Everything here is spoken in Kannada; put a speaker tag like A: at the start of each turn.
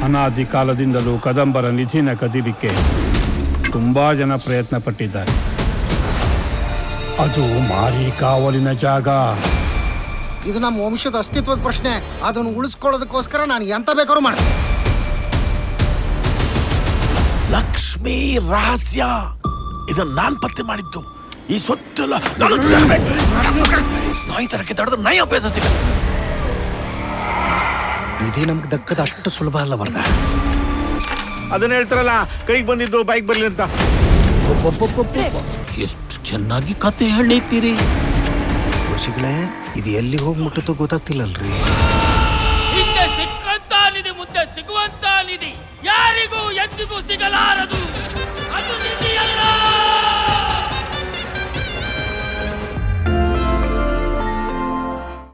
A: ಅನಾದಿ ಕಾಲದಿಂದಲೂ ಕದಂಬರ ನಿಧಿನ ಕದಿಲಿಕ್ಕೆ ತುಂಬಾ ಜನ ಪ್ರಯತ್ನ ಪಟ್ಟಿದ್ದಾರೆ. ಅದು ಮಾರಿ ಕಾವಲಿನ ಜಾಗ.
B: ಇದು ನಮ್ಮ ವಂಶದ ಅಸ್ತಿತ್ವದ ಪ್ರಶ್ನೆ. ಅದನ್ನು ಉಳಿಸ್ಕೊಳ್ಳೋದಕ್ಕೋಸ್ಕರ ನಾನು ಎಂತ ಬೇಕಾದ್ರೂ ಮಾಡ್ತೀನಿ.
C: ಲಕ್ಷ್ಮೀ ರಹಸ್ಯ ಇದನ್ನ ನಾನ್ ಪತ್ತೆ ಮಾಡಿದ್ದು. ಈ ಸೊತ್ತೆಲ್ಲ ನಾಯಿ ತರಕ್ಕೆ ತಡೆದ್ರೆ ನಾಯಿ ಅಭ್ಯಾಸ ಸಿಗಲ್ಲ.
B: ಇದೇ ನಮ್ಗೆ ದಕ್ಕದ ಅಷ್ಟು ಸುಲಭ ಅಲ್ಲ ಬರ್ದ.
D: ಅದನ್ನ ಹೇಳ್ತಾರಲ್ಲ, ಕೈಗೆ ಬಂದಿದ್ದು ಬೈಕ್ ಬರ್ಲಿ ಅಂತ.
C: ಎಷ್ಟು ಚೆನ್ನಾಗಿ ಕತೆ ಹೇಳಿತೀರಿ
B: ಋಷಿಗಳೇ. ಇದು ಎಲ್ಲಿ ಹೋಗಿ ಮುಟ್ಟುತ್ತೋ ಗೊತ್ತಾಗ್ತಿಲ್ಲಲ್ರಿ.
E: ಹಿಂದೆ ಸಿಕ್ಕಂತ ನಿಧಿ ಮುಂದೆ ಸಿಗುವಂತ ನಿಧಿ ಯಾರಿಗೂ ಎಂದಿಗೂ ಸಿಗಲಾರದು. ಅದು ನಿಧಿಯಲ್ಲ.